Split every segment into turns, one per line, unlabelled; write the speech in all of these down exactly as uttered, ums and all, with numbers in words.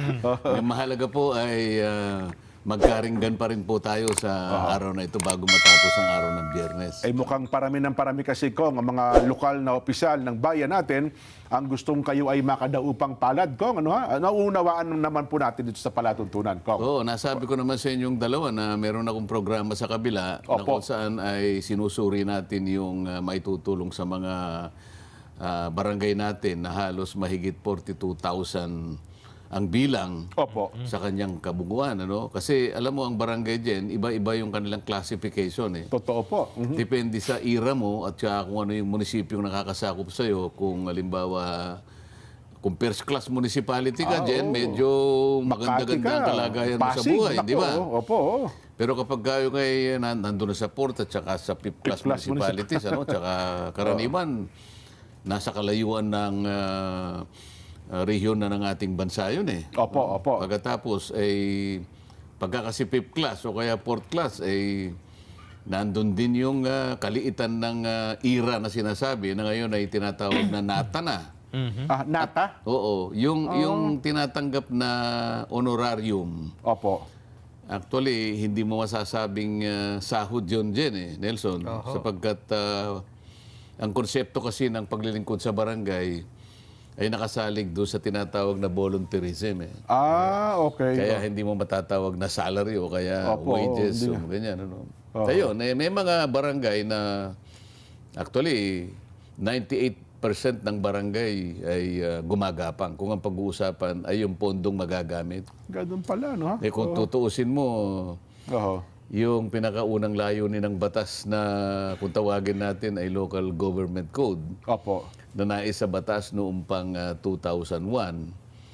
Ang mahalaga po ay uh, magkaringgan pa rin po tayo sa uh-huh. araw na ito bago matapos ang araw ng Biyernes.
Ay mukhang parami ng parami kasi Kong, ang mga lokal na opisyal ng bayan natin, ang gustong kayo ay makadaupang palad, Kong. Ano ha? Nauunawaan naman po natin dito sa palatuntunan, Kong.
Oo, nasabi ko naman sa inyong dalawa na meron akong programa sa kabila na kung saan ay sinusuri natin yung uh, maitutulong sa mga uh, barangay natin na halos mahigit forty-two thousand ang bilang
Opo.
sa kanyang kabuguan. Ano? Kasi alam mo, ang barangay dyan, iba-iba yung kanilang classification. Eh.
Totoo po. Mm-hmm.
Depende sa ira mo at saka kung ano yung munisipyo nakakasakop sa'yo. Kung halimbawa, kung first class municipality ka
ah,
dyan,
oh.
medyo maganda-ganda ang kalagayan mo sa buhay. Di ba?
Opo.
Pero kapag kayo kay nandun na sa port at saka sa fifth class, class municipalities, ano, tsaka karaniwan, nasa kalayuan ng uh, Uh, rehiyon na ng ating bansa yun eh.
Opo, opo.
Pagkatapos ay pagka kasi fifth class o kaya fourth class ay nandun din yung uh, kaliitan ng uh, ira na sinasabi na ngayon ay tinatawag na nata na.
Mm-hmm. Ah, nata?
At, oo. Yung, oh. yung tinatanggap na honorarium.
Opo.
Actually, hindi mo masasabing uh, sahod yun dyan eh, Nelson. Uh-huh. Sapagkat uh, ang konsepto kasi ng paglilingkod sa barangay ay nakasalig doon sa tinatawag na volunteerism eh.
Ah, okay.
Kaya hindi mo matatawag na salary o kaya Opo, wages o ganyan. Ano. Oh. Kaya yun, eh, may mga barangay na actually ninety-eight percent ng barangay ay uh, gumagapang kung ang pag-uusapan ay yung pondong magagamit.
Ganun pala, no?
Eh kung oh. tutuusin mo,
oh.
yung pinakaunang layunin ng batas na kung tawagin natin ay Local Government Code.
Opo.
Na nais sa batas noong pang uh, two thousand one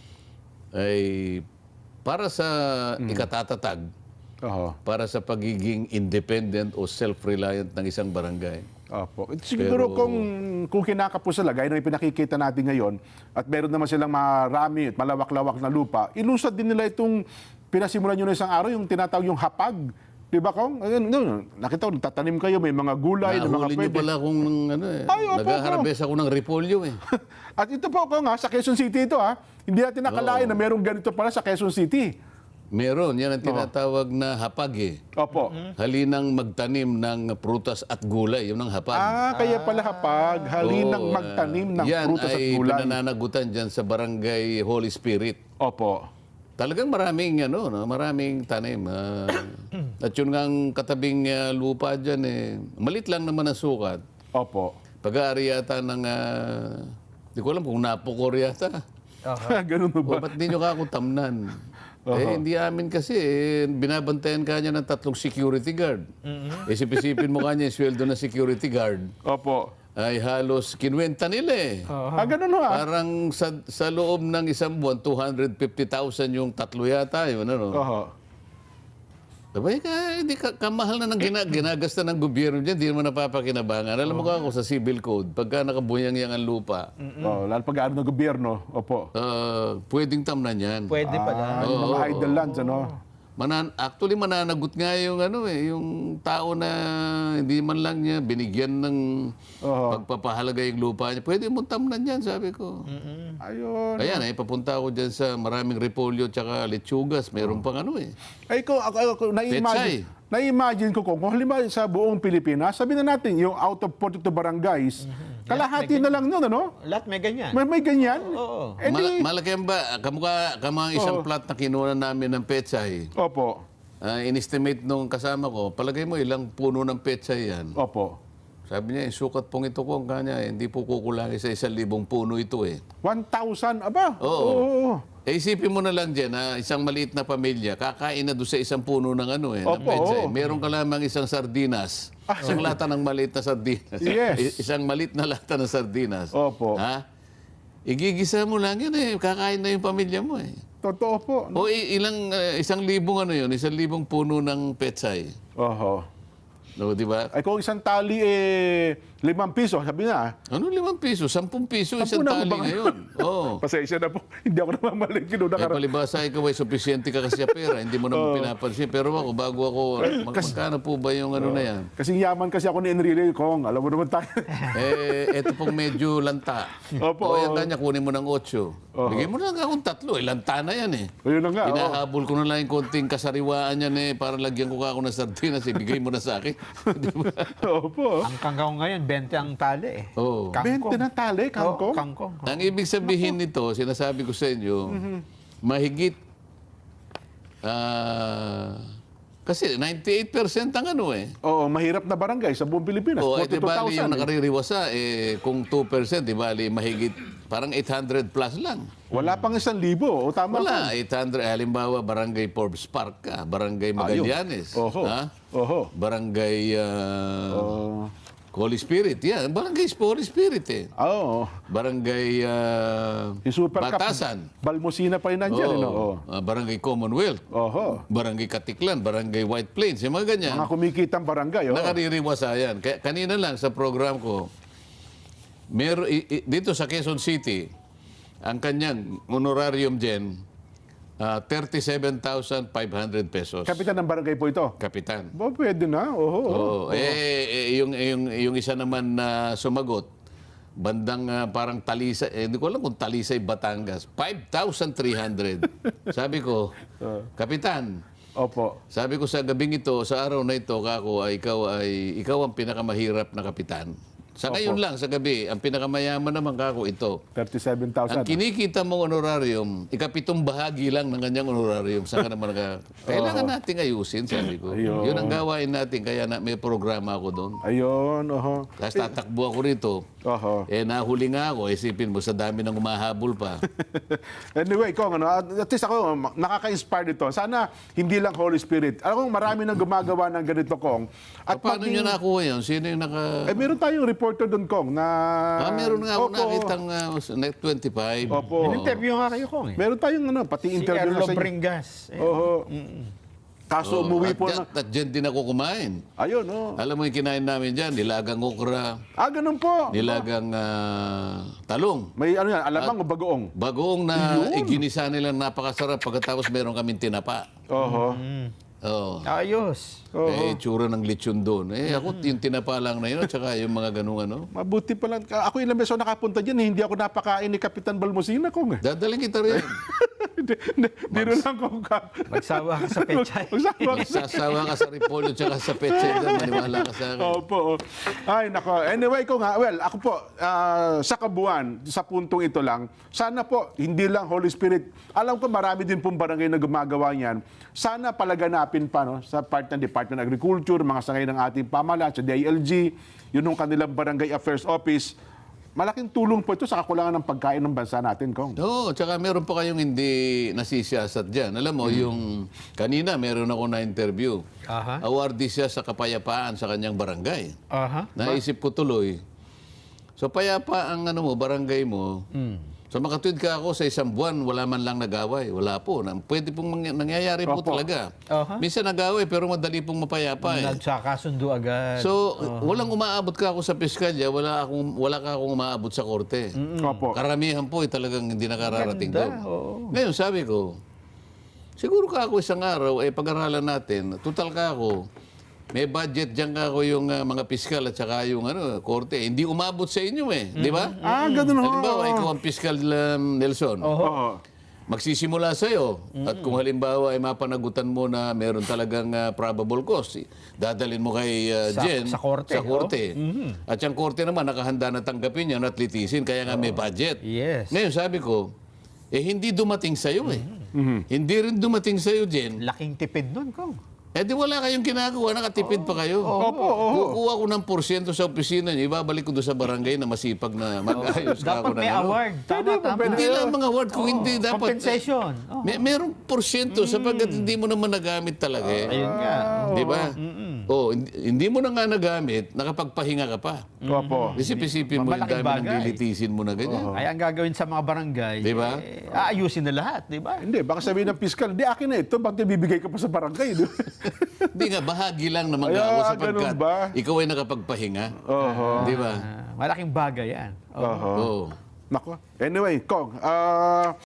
ay para sa mm. ikatatatag,
uh-huh.
para sa pagiging independent o self-reliant ng isang barangay.
Opo. Siguro Pero, kung, kung kinakapos sila, gaya ng ipinakikita natin ngayon, at meron naman silang marami at malawak-lawak na lupa, ilusad din nila itong pinasimulan nyo na isang araw, yung tinatawag yung hapag. Diba, Kong? Nakita ko, tatanim kayo, may mga gulay, na mga
pwede. Nahuli nyo pala kung ano, eh. Nag-harvest ako ng repolyo eh.
At ito po, Kong, ha, sa Quezon City ito, ha. Hindi natin nakalain na merong ganito pala sa Quezon City.
Meron. Yan ang tinatawag na hapag eh.
Opo.
Halinang magtanim ng prutas at gulay. Yun ang hapag.
Ah, kaya pala hapag. Halinang magtanim ng prutas at gulay.
Yan ay pinananagutan dyan sa barangay Holy Spirit.
Opo.
Talagang maraming ano, no? Maraming tanim. Uh, at yun nga ang katabing uh, lupa dyan eh. Malit lang naman ang sukat.
Opo.
Pag-aari yata ng, uh, di ko alam kung napukor yata.
Uh-huh. Ganun ba?
O, ba't di nyo kakutamnan? Uh-huh. Eh, hindi amin kasi, eh, binabantayan kanya ng tatlong security guard. Mm-hmm. Isip-isipin mo kanya yung sweldo ng security guard.
Opo.
Ay halos kinwenta nila eh.
Uh-huh. Ah, ganun ha?
Parang sa, sa loob ng isang buwan, two hundred fifty thousand yung tatlo yata. Yun, ano?
Oo. Uh-huh.
Sabay ka, hindi ka, kamahal na ng gina, ginagasta ng gobyerno dyan, hindi naman napapakinabangan. Alam mo ka ako sa civil code, pagka nakabunyang-yang ang lupa.
Mm-hmm. Oh, lalo pag-aano ng gobyerno, opo.
Uh, pwedeng tamnan yan.
Pwede pala.
Ah, yung mga idle lands, ano?
Manan actually, mananagot nga yung, ano, eh, yung tao na hindi man lang niya binigyan ng uh-huh. pagpapahalaga yung lupa niya. Pwede mo tamnan yan, sabi ko.
Mm-hmm. Ayun.
Ayan, eh, papunta ako dyan sa maraming repolyo tsaka lechugas. Mayroon pang ano eh.
Ay, ko, ako, ako, na-imagine, na-imagine ko kung halimbawa sa buong Pilipinas, sabi na natin, yung out of forty-two barangays, mm-hmm. kalahati na lang nun, ano?
Lahat may ganyan.
May, may ganyan?
Oo.
Eh,
Mal- malaki ba? Kamukha, kamukha isang
Oo.
plot na kinuha namin ng petsay.
Opo.
Uh, in-estimate nung kasama ko, palagay mo ilang puno ng petsay yan.
Opo.
Sabi niya, sukat pong ito ko ang kanya, eh, hindi po kukulangi sa isang libong puno ito eh.
one thousand, aba?
Oo.
Oo.
Eh, isipin mo na lang dyan, ha, isang maliit na pamilya, kakain na doon sa isang puno ng ano eh, ng
Opo,
petsay.
oo.
Meron ka lamang isang sardinas. Isang lata ng maliit na sardinas.
Yes.
I- isang maliit na lata ng sardinas.
Opo.
Ha? Igigisa mo lang yan eh, kakain na yung pamilya mo eh.
Totoo po.
O i- ilang, uh, isang libong ano yun, isang libong puno ng petsay.
Oho.
No, di ba?
Ay kung isang tali eh Limang piso, sabi na.
Ano limang piso? Sampung piso,
Sampu
isang
na
tali
ba?
ngayon. Oo.
Pasensya na po. Hindi ako namamalik.
Eh, palibasa ikaw ay sufisyente ka kasi sa pera, hindi mo naman pinapansin. Pero ako, bago ako, mag magkano po ba yung ano na yan?
Kasi yaman kasi ako ni Enrile Kong. Alam mo naman tayo.
Eh, eto pong medyo lanta.
Opo.
O yan kanya, kunin mo ng otso. Bigay mo na lang akong tatlo. Eh, lanta na yan eh.
Ayun na nga. oo.
Hinahabol ko na lang yung konting kasariwaan yan eh, para lagyan ko ka ako ng sardinas. Ibigay mo na sa akin. Di ba?
Opo.
Ang kangkong ngayon, bente ang tali eh.
Oo.
Kangkong.
Bente ng tali, kangkong.
Oo, kangkong.
Ang ibig sabihin nito, sinasabi ko sa inyo, mahigit, ah, kasi ninety-eight percent ang ano eh.
Oo, mahirap na barangay sa buong Pilipinas.
O, eh, di
forty-two
bali yung
thousand.
nakaririwasa, eh, kung two percent, di bali mahigit, parang eight hundred plus lang.
Wala pang isang libo. O tama
Wala, eight hundred, halimbawa, Barangay Forbes Park ka, Barangay Magallanes,
Oho.
ha?
Oho.
Barangay ah,
Oo.
Holy Spirit, yan. Barangay Holy Spirit eh.
Oo.
Barangay ah,
Yung Super
Batasan.
Cup. Balmosina pa rin nandyan.
Oo.
eh, Oo.
Ah, Barangay Commonwealth.
Oho.
Barangay Katiklan, Barangay White Plains, yung mga ganyan.
Mga kumikitang barangay. Oo.
Nakaririwasa yan. Kaya, kanina lang sa program ko, mer, i- i- dito sa Quezon City, ang kanyang honorarium dyan, ah, thirty-seven thousand five hundred pesos.
Kapitan ng barangay po ito.
Kapitan.
Ba, pwede na. Oho.
Oo. Eh, eh, yung, yung, yung isa naman na sumagot, bandang ah, parang Talisay, eh, hindi ko alam kung Talisay, Batangas, five thousand three hundred. Sabi ko, Kapitan,
Opo.
sabi ko sa gabing ito, sa araw na ito, kako, ay ikaw ay ikaw ang pinakamahirap na kapitan. Sa ngayon lang, sa gabi, ang pinakamayaman naman kako ito.
thirty-seven
Ang
thousand.
kinikita mong honorarium, ikapitong bahagi lang ng kanyang honorarium. Saan ka naman nag... Kailangan natin ayusin, sabi ko.
Ayun.
Yun ang gawain natin, kaya na, may programa ako doon.
Ayun. Oho.
Tapos tatakbo ako rito.
Oho.
Eh, nahuli nga ako. Isipin mo, sa dami ng umahabol pa.
Anyway, Kong, ano, at at least ako, nakaka-inspire dito. Sana hindi lang Holy Spirit. Alam ko, marami nang gumagawa ng ganito, Kong. At
Paano
maging-
nyo nakuha yun? Sino yung naka...
Eh, meron tayong reporter doon, Kong, na...
Ah, meron nga ako
Opo.
nakitang uh, Net twenty-five.
Opo.
In-interview nga kayo kong eh.
Meron tayong, ano, pati
Si
interview na
Erlo
sa inyo.
Bringas. Eh.
Oho. Kaso umuwi
at,
po
dyan-
na...
At dyan din ako kumain.
Ayun, oh.
Alam mo yung kinain namin dyan, nilagang okra,
Ah, ganun po.
nilagang ah, talong.
May ano yan, alamang o bagoong?
Bagoong na iginisa nila napakasarap pagkatapos meron kaming tinapa.
Oho.
Oh.
Ayos.
Eh, tsura ng lechon doon. Eh, ako yung tinapa lang na yun at saka yung mga ganung ano.
Mabuti pa lang. Ako ilang beses ako nakapunta dyan, eh, hindi ako napakain ni Kapitan Balmosina, Kong. eh.
Dadaling kita rin.
Hindi, hindi, biro lang, Kong. ka-
Magsawa ka sa pechay.
Magsawa ka sa...
Sasawa ka sa repolyo at saka sa petsa. Maniwala ka sa akin.
Opo. Ay, nako. Anyway, ko nga, well, ako po, ah, sa kabuuan, sa puntong ito lang, sana po, hindi lang Holy Spirit. Alam ko marami din pong barangay na gumagawa niyan. Sana palaganapin pa, no, sa part ng Department of Agriculture, mga sangay ng ating pamahalaan, sa D I L G, yun yung kanilang Barangay Affairs Office. Malaking tulong po ito sa kakulangan ng pagkain ng bansa natin, Kong.
Oo, tsaka meron pa kayong hindi nasisiyasat dyan. Alam mo, yung kanina meron ako na interview.
Aha.
Awardee siya sa kapayapaan sa kanyang barangay.
Aha.
Naisip ko tuloy. So payapa ang ano mo, barangay mo. So makatwid ka ako sa isang buwan, wala man lang nag-away. Wala po. Na- Pwede pong mangy- nangyayari po
Opo.
talaga.
Aha.
Minsan nag-away pero madali pong mapayapa eh.
Nagsakasundo agad.
So, walang umaabot ka ako sa piskalya, wala akong wala ka akong umaabot sa korte.
Opo.
Karamihan po ay talagang hindi nakararating
Ganda,
doon.
oo.
Ngayon, sabi ko, siguro ka ako isang araw, eh pag-aralan natin, total ka ako, may budget dyan ka ako yung ah, mga piskal at saka yung ano, korte. Hindi umabot sa inyo eh, di ba?
Ah, ganun ho.
Halimbawa, ikaw ang piskal um, Nelson.
Oo.
Magsisimula sa iyo. At kung halimbawa ay mapanagutan mo na meron talagang ah, probable cause, dadalhin mo kay ah,
Sa-
Jen
sa korte,
Sa korte. At yung korte naman nakahanda na tanggapin yan at litisin kaya nga may budget.
Yes.
Ngayon sabi ko, eh hindi dumating sa iyo eh. Hindi rin dumating sa iyo, Jen.
Laking tipid nun, Kong.
Eh di wala kayong ginagawa, nakatipid pa kayo.
Opo, opo.
Kukuha ko ng porsyento sa opisina niyo, ibabalik ko doon sa barangay na masipag na mag-ayos ka
Dapat
ako ng
may
ano.
award. Tama, tama.
Hindi lang mga award, kung hindi dapat...
Compensation. Oh.
May, merong porsyento sapagkat hindi mo naman nagamit talaga eh.
Ayun nga.
Di ba?
Mm-mm.
Oh, hindi, hindi mo na nga nagamit, nakapagpahinga ka pa.
Opo.
Isip-isipin mo yung
Malaking
dami ng
bagay.
lilitisin mo na ganyan.
Kaya ang gagawin sa mga barangay,
Di ba?
eh, aayusin na lahat, di ba?
Hindi, baka sabihin ng piskal, di akin na ito, bakit bibigay ka pa sa barangay? di ba?
Hindi nga, bahagi lang naman
Ay,
ako
ah,
sapagkat
ganun ba?
ikaw ay nakapagpahinga.
Oho.
Di ba?
Ah, malaking bagay yan. Oo.
Oho.
Oo.
Nako. Anyway, Kong, ah...